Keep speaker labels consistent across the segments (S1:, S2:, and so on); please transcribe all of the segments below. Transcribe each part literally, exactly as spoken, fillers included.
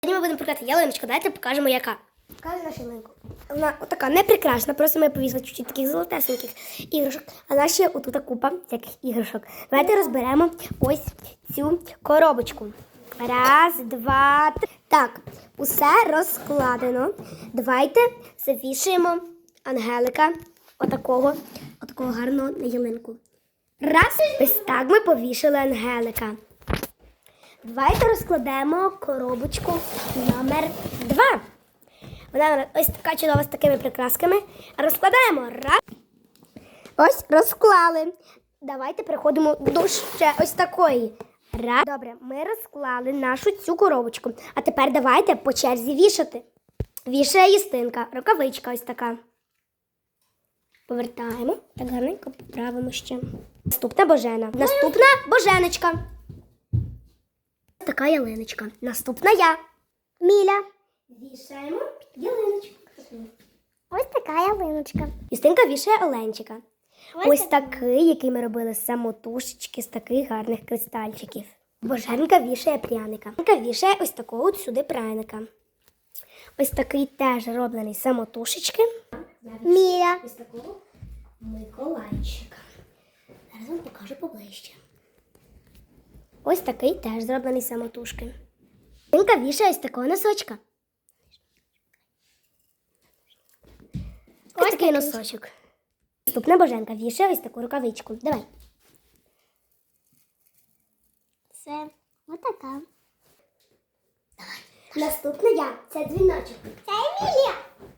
S1: Сьогодні ми будемо прикрашати ялиночку. Давайте покажемо, яка. Покажемо нашу ялинку. Вона така не прикрашена, просто ми повісили чуть-чуть таких золотесеньких іграшок. А наші отут купа всяких іграшок. Давайте розберемо ось цю коробочку. Раз, два, три. Так, усе розкладено. Давайте завішаємо ангелика отакого, отакого гарного на ялинку. Раз, ось так ми повішали ангелика. Давайте розкладемо коробочку номер два. Вона ось така чудова з такими прикрасками. Розкладаємо. Раз. Ось розклали. Давайте переходимо до ще ось такої. Раз. Добре, ми розклали нашу цю коробочку. А тепер давайте по черзі вішати. Вішає Юстинка. Рукавичка ось така. Повертаємо. Так гарненько поправимо ще. Наступна Божена. Наступна Боженочка. Така ялиночка. Наступна я. Міля. Вішаємо ялиночку.
S2: Ось така ялиночка.
S1: Юстинка вішає Оленчика.
S2: Ось,
S1: Ось
S2: така.
S1: такий, який ми робили з самотушечки, з таких гарних кристальчиків. Боженка вішає пряника. Боженка вішає ось такого от сюди пряника. Ось такий теж роблений з самотушечки.
S2: Міля.
S1: Ось такого Миколайчика. Зараз вам покажу поближче. Ось такий теж зроблений з самотужки. Юстинка вішає ось такого носочка. Ось, ось такий носочок. Наступна Боженка вішає ось таку рукавичку. Давай.
S2: Це отака.
S1: Наступна я. Це дзвіночок.
S2: Це Емілія.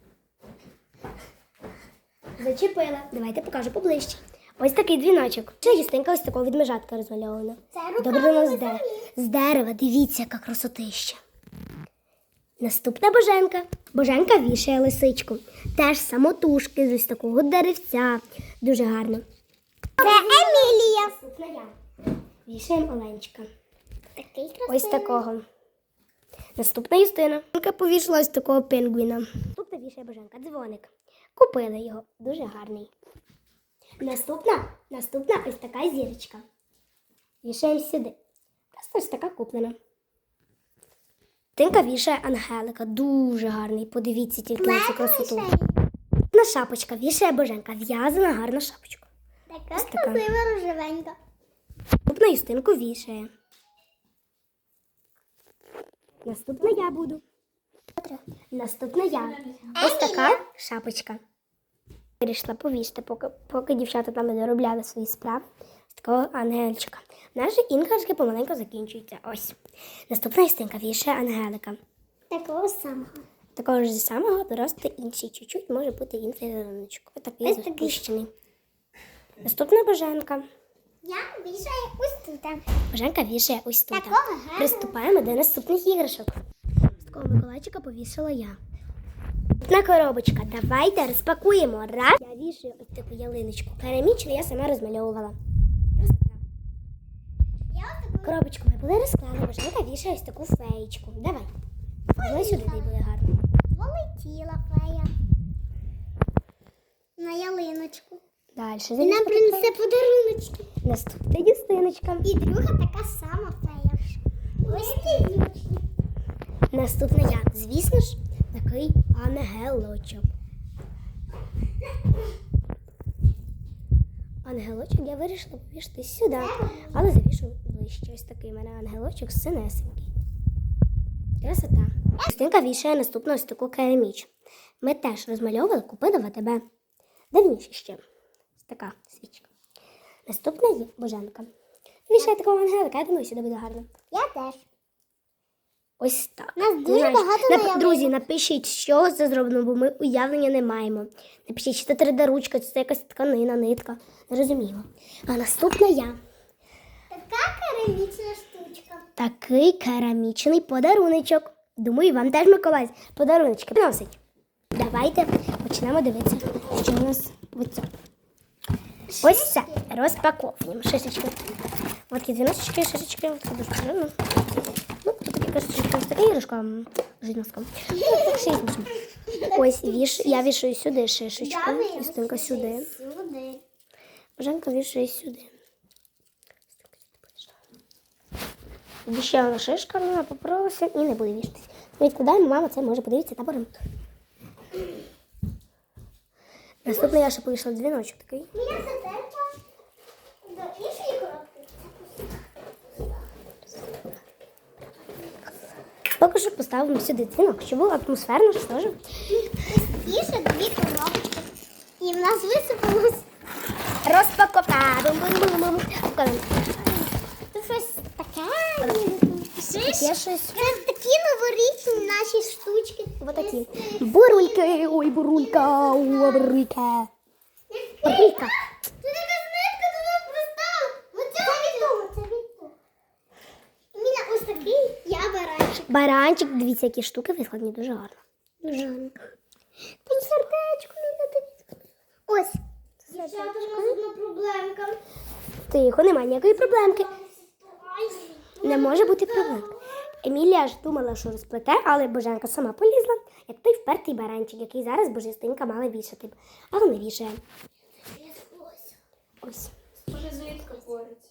S1: Зачепила. Давайте покажу поближче. Ось такий дзвіночок. Це Юстинка ось такого відмежатка розмальована.
S2: Це рука.
S1: Добре, воно з, де... з дерева. Дивіться, яка красотища. Наступна Боженка. Боженка вішає лисичку. Теж самотужки з ось такого деревця. Дуже гарно.
S2: Це Емілія.
S1: Наступна я. Вішаємо Оленчика.
S2: Такий красивий.
S1: Ось такого. Наступна Юстина. Боженка повішала ось такого пінгвіна. Наступна вішає Боженка. Дзвоник. Купили його. Дуже гарний. Наступна, наступна ось така зірочка. Вішаємо сюди. Просто ось така куплена. Тинка вішає ангелика. Дуже гарний. Подивіться тільки на цю красоту. На шапочка вішає Боженка. В'язана гарна шапочка.
S2: Така
S1: Ось така.
S2: красива рожевенька.
S1: Наступна Юстинку вішає. Наступна я буду. Наступна я. Ось така шапочка. Вирішила повісти, поки, поки дівчата там не доробляли свої справи. З такого ангельчика. Наші іграшки помаленьку закінчуються. Ось. Наступна Юстинка вішає ангелика.
S2: Такого самого.
S1: Такого ж самого, просто інший. Чуть-чуть може бути інший ялиночок. Ось такий
S2: Ось такий.
S1: запущений. Наступна Боженка.
S2: Я вішаю ось тут.
S1: Боженка вішає ось тут.
S2: Такого гарного.
S1: Приступаємо до наступних іграшок. З такого Миколайчика повісила я. На коробочка. Давайте розпакуємо. Раз. Я вішаю ось таку ялиночку. Керамічну я сама розмальовувала.
S2: Я ось таку.
S1: Коробочку ми були розклали. Боженка вішає ось таку феєчку. Давай. Давай сюди, де буде гарно.
S2: Полетіла фея. На ялиночку.
S1: Далі.
S2: І нам принесе подаруночки.
S1: Наступна Юстиночка.
S2: І друга така сама фея. Ось ці.
S1: Наступна я. Звісно ж, такий ангелочок. Ангелочок я вирішила повішати сюди, але завішу ближче. Ось такий у мене ангелочок синесенький. Красота. Юстинка вішає наступну ось таку кераміч. Ми теж розмальовували, купили в АТБ. Давніше ще. Ось така свічка. Наступна є Боженка. Вішає такого ангелика, я думаю, сюди буде гарно.
S2: Я теж.
S1: Ось так.
S2: Нас дуже
S1: Знаєш,
S2: багато
S1: нап-
S2: наявлено.
S1: Друзі, напишіть, що це зроблено, бо ми уявлення не маємо. Напишіть, чи це три де ручка, чи це якась тканина, нитка. Не розуміємо. А наступна я.
S2: Така керамічна штучка.
S1: Такий керамічний подаруночок. Думаю, вам теж Миколай подаруночки приносить. Давайте почнемо дивитися, що у нас в цьому. Ось це. Розпаковуємо. Шишечки. Ось такі дзвіночки, шишечки. Це дуже приємно. Ну, тут такі кашечки. Ось така іграшка жидноска. Ну, так ще й смішно. Ось віш, я вішаю сюди шишечку. Юстинка сюди.
S2: Сюди.
S1: Боженка вішає сюди. Ще вона шишка, вона попоралася і не буде вішатись. Відкладаємо, мама це може подивитися та поремонт. Наступне я ще повішла дзвіночок такий.
S2: Мені це терча до іншої коробки.
S1: Поки що поставимо сюди дзвінок, щоб було атмосферно, що теж.
S2: Простіше дві коробки. І в нас висипалось.
S1: Розпаковка. Бум-бум-бум-бум. Покажемо.
S2: Це щось таке.
S1: Таке щось.
S2: Це такі новорічні наші штучки.
S1: Ось такі. Бурульки. Ой, бурулька. Ой, бурулька. Бурулька.
S2: Тут якась нитка до нас пристала. Оце від того, це від того. У мене ось такий, я баранчик.
S1: Баранчик. Дивіться, які штуки викладені. Дуже гарно.
S2: Дуже гарно. Там сердечко не дивіться. Ось. Дівчата, у нас одна проблемка.
S1: Тихо, немає ніякої проблемки. Не може бути проблем. Емілія ж думала, що розплете, але Боженка сама полізла, як той впертий баранчик, який зараз Божестинка мала вішати. Але не вішає. Ось.
S3: Може, звідки пориться?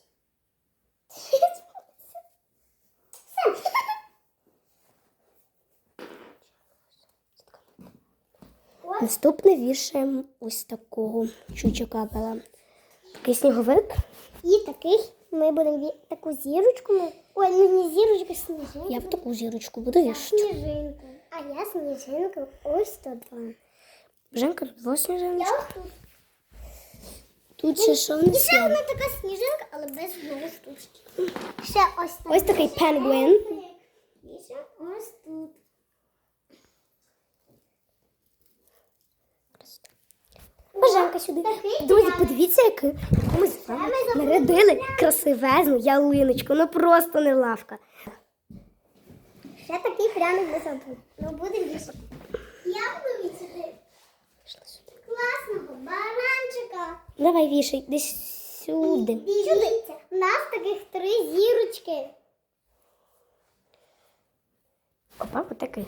S1: Наступне вішаємо ось такого чучака. Такий сніговик.
S2: І такий ми будемо ві- таку зірочку. Ми... Ой, ну не зірочку, сніжинку.
S1: Я б таку зірочку буду вішати.
S2: Сніжинку. А я сніжинку ось тут два.
S1: Боженка, тут два сніжиночки.
S2: Я ось тут.
S1: Тут ще що в
S2: І
S1: нас
S2: ще
S1: є?
S2: одна така сніжинка, але без одної штучки. Ще ось так.
S1: Ось такий пенгвін.
S2: І ще ось тут.
S1: Боженка сюди.
S2: Такий
S1: Друзі,
S2: пряник.
S1: подивіться, яку яку ми з вами нарядили красивезну ялиночку. Ну просто не лавка.
S2: Ще такий пряник без одного. Ну буде більше. Я буду вісити класного баранчика.
S1: Давай вішай десь сюди.
S2: Дивіться, у нас таких три зірочки.
S1: Опа, отакий.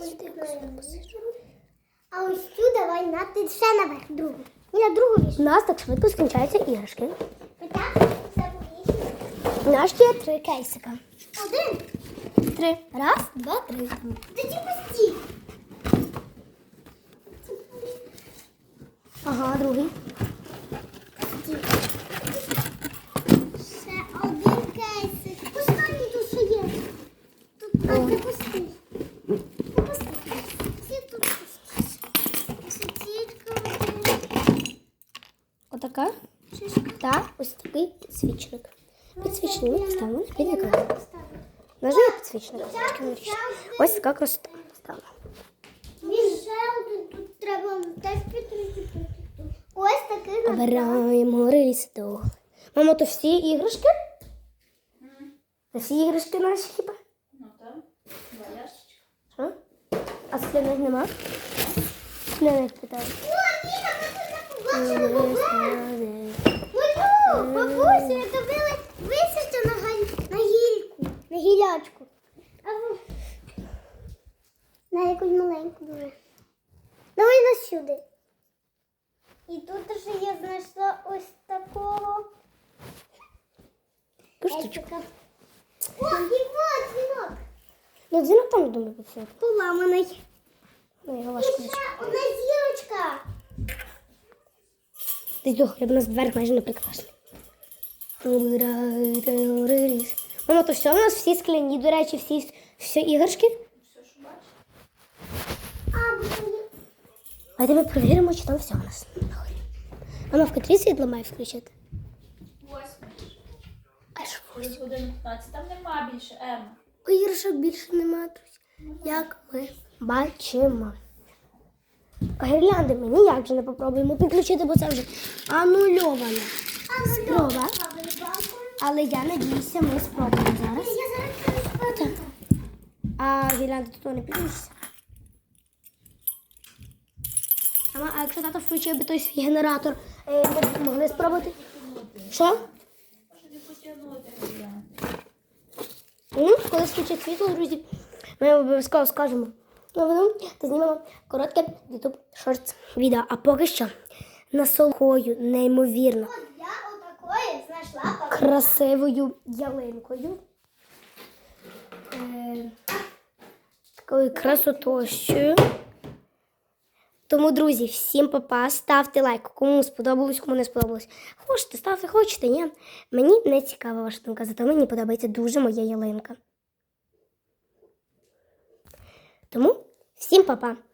S2: А ось цю давай на ти ще наверх другу. І на другу
S1: У
S2: віш.
S1: нас так швидко скінчаються іграшки.
S2: Отак все повішено.
S1: У нас є три кейсика.
S2: Один.
S1: Три. Раз, два, три.
S2: Та ті пусті.
S1: Ага, другий.
S2: Ще один кейсик. Останній тут ще є. Тут а, це пустий. Це пустий. Всі тут пусті. Ось тільки один.
S1: Отака.
S2: Шишка.
S1: Та ось такий підсвічник. Підсвічник ми поставимо під екран.
S2: Поставлю.
S1: У нас же є підсвічник. Трошки вирішити. Ось така красота. Поставила.
S2: Він ще один тут треба теж підкрити. Ось такий.
S1: Обираємо релісту. Мамо, то всі іграшки? Це всі іграшки наші хіба?
S3: Ну так, два ящичка.
S1: Що? А скляних нема? Скляних питаю.
S2: О, Ніна, ми тут не побачили. Ой, бабусю, я добили висити на, галь- на гільку, на гілячку. А ви... На якусь маленьку дуже. Давай нас сюди. І тут ще я знайшла ось такого.
S1: Куштучку.
S2: Естика. О, і вот дзвінок.
S1: Ну, дзвінок там, я думаю, все.
S2: Поламаний.
S1: Ну, його
S2: І
S1: важко.
S2: ще одна зірочка.
S1: Десь до хліба, у нас двері майже не прикрашені. Мамо, то все у нас всі скляні, до речі, всі, всі іграшки.
S3: Все, що бачиш?
S2: А, блін.
S1: Давайте ми перевіримо, чи там все у нас. Мама, в котрій світло має включити?
S3: Восьмий.
S1: Аж
S3: Через годину п'ятнадцять. Там нема більше, Ема.
S1: іграшок більше немає, друзі. Як ми бачимо. Гірлянди ми ніяк вже не попробуємо підключити, бо це вже анульована спроба. Але я надіюся, ми спробуємо зараз.
S2: Я зараз спробую.
S1: А гірлянди тут не підключиться. Мама, а якщо тато включив би той свій генератор, е, ми б могли спробувати? Що?
S3: Може не потягнути глянь.
S1: Ну, коли включить світло, друзі, ми обов'язково скажемо новину та знімемо коротке YouTube Shorts відео. А поки що насолодою, неймовірно
S2: От я отакої знайшла папір.
S1: красивою ялинкою. Е, такою красотощою. Тому, друзі, всім па-па, ставте лайк, кому сподобалось, кому не сподобалось. Хочете, ставте, хочете, ні. Мені не цікава ваша думка, зато мені подобається дуже моя ялинка. Тому всім па-па.